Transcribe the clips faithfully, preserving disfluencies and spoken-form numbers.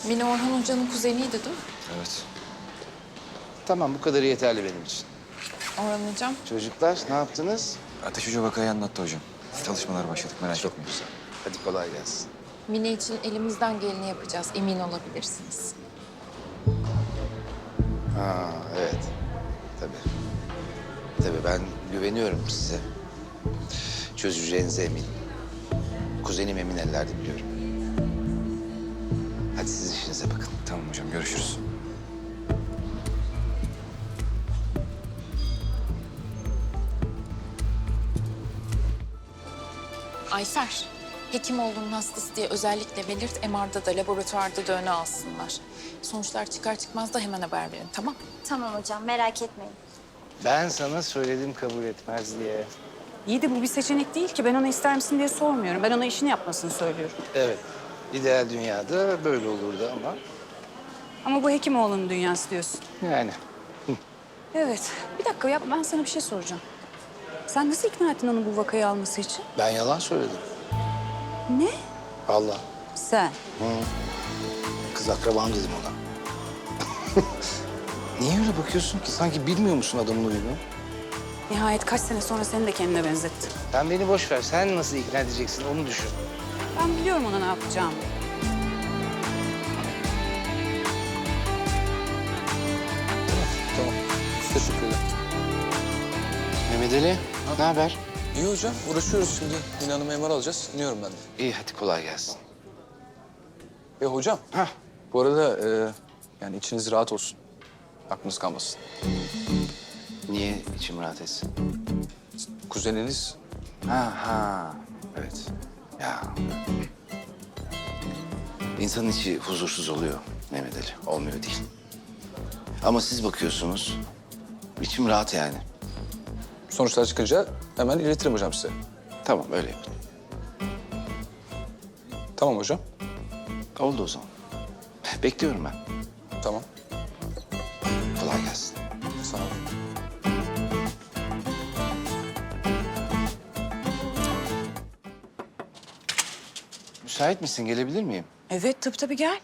Mine Orhan Hoca'nın kuzeniydi değil mi? Evet. Tamam, bu kadarı yeterli benim için. Orhan Hocam. Çocuklar, ne yaptınız? Ateş Hoca vakayı anlattı hocam. Çalışmalara başladık, merak Çok etmeyin. güzel. Hadi kolay gelsin. Mine için elimizden geleni yapacağız. Emin olabilirsiniz. Ha, evet. Tabii. Tabii ben güveniyorum size. Çözeceğinize eminim. Kuzenim emin ellerde biliyorum. Hadi siz işinize bakın. Tamam hocam, görüşürüz. Ayfer, hekim olduğunun hastası diye özellikle belirt. M R'da da laboratuvarda da öne alsınlar. Sonuçlar çıkar çıkmaz da hemen haber verin, tamam? Tamam hocam, merak etmeyin. Ben sana söyledim kabul etmez diye. İyi de bu bir seçenek değil ki. Ben ona ister misin diye sormuyorum. Ben ona işini yapmasını söylüyorum. Evet. İdeal dünyada böyle olurdu ama Ama bu Hekimoğlu'nun dünyası diyorsun. yani. Evet. Bir dakika ya, ben sana bir şey soracağım. Sen nasıl ikna ettin onu bu vakayı alması için? Ben yalan söyledim. Ne? Vallahi. Sen. Kız akrabam dedim ona. Niye öyle bakıyorsun ki? Sanki bilmiyor musun adamın huyunu? Nihayet kaç sene sonra seni de kendine benzettin. Sen beni boş ver. Sen nasıl ikna edeceksin onu düşün. Ben biliyorum ona ne yapacağımı. Tamam. Teşekkürler. Mehmet Ali, ne haber? İyi hocam. Uğraşıyoruz şimdi. Mine Hanım'ı M R alacağız. İniyorum ben de. İyi, hadi kolay gelsin. E hocam. Hah. Bu arada e, yani içiniz rahat olsun. Aklınız kalmasın. Niye içim rahat etsin? Kuzeniniz Ha ha, evet. Ya. İnsanın içi huzursuz oluyor Mehmet Ali. Olmuyor değil. Ama siz bakıyorsunuz. İçim rahat yani. sonuçlar çıkınca hemen iletirim hocam size. Tamam, öyle yapın. Tamam hocam. Oldu o zaman. Bekliyorum ben. Tamam. Kolay gelsin. Sağ olun. Müsait misin? Gelebilir miyim? Evet, tabii tabii gel.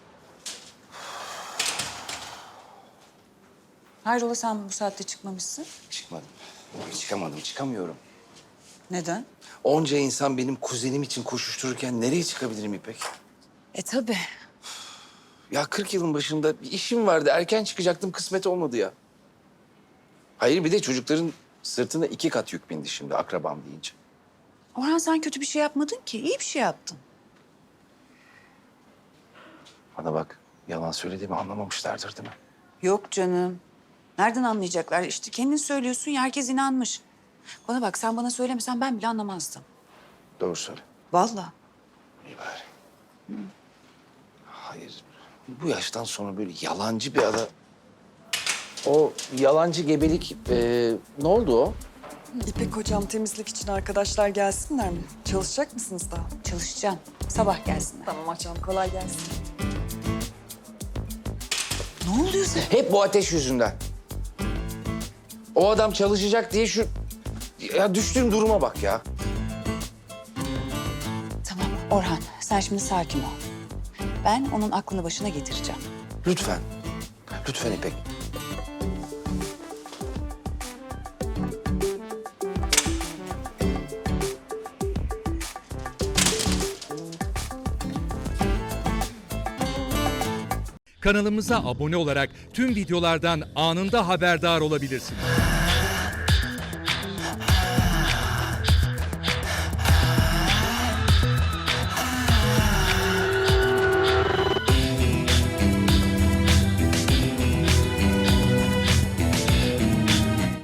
Hayrola sen bu saatte çıkmamışsın? Çıkmadım. Çıkamadım, çıkamıyorum. Neden? Onca insan benim kuzenim için koşuştururken nereye çıkabilirim İpek? E tabii. Ya kırk yılın başında bir işim vardı. Erken çıkacaktım, kısmet olmadı ya. Hayır, bir de çocukların sırtına iki kat yük bindi şimdi akrabam deyince. Orhan sen kötü bir şey yapmadın ki. İyi bir şey yaptın. Bana bak, yalan söylediğimi anlamamışlardır değil mi? Yok canım. Nereden anlayacaklar? İşte kendin söylüyorsun ya, herkes inanmış. Bana bak, sen bana söylemesen ben bile anlamazdım. Doğru söyle. Vallahi. İyi bari. Hayır, bu yaştan sonra böyle yalancı bir adam... O yalancı gebelik, e, ne oldu o? İpek hocam temizlik için arkadaşlar gelsinler mi? Çalışacak mısınız daha? Çalışacağım. Sabah gelsinler. Tamam hocam kolay gelsin. Ne oluyor sen? Hep bu ateş yüzünden. O adam çalışacak diye şu... Ya düştüğüm duruma bak ya. Tamam Orhan, sen şimdi sakin ol. Ben onun aklını başına getireceğim. Lütfen. Lütfen İpek. Kanalımıza abone olarak tüm videolardan anında haberdar olabilirsiniz.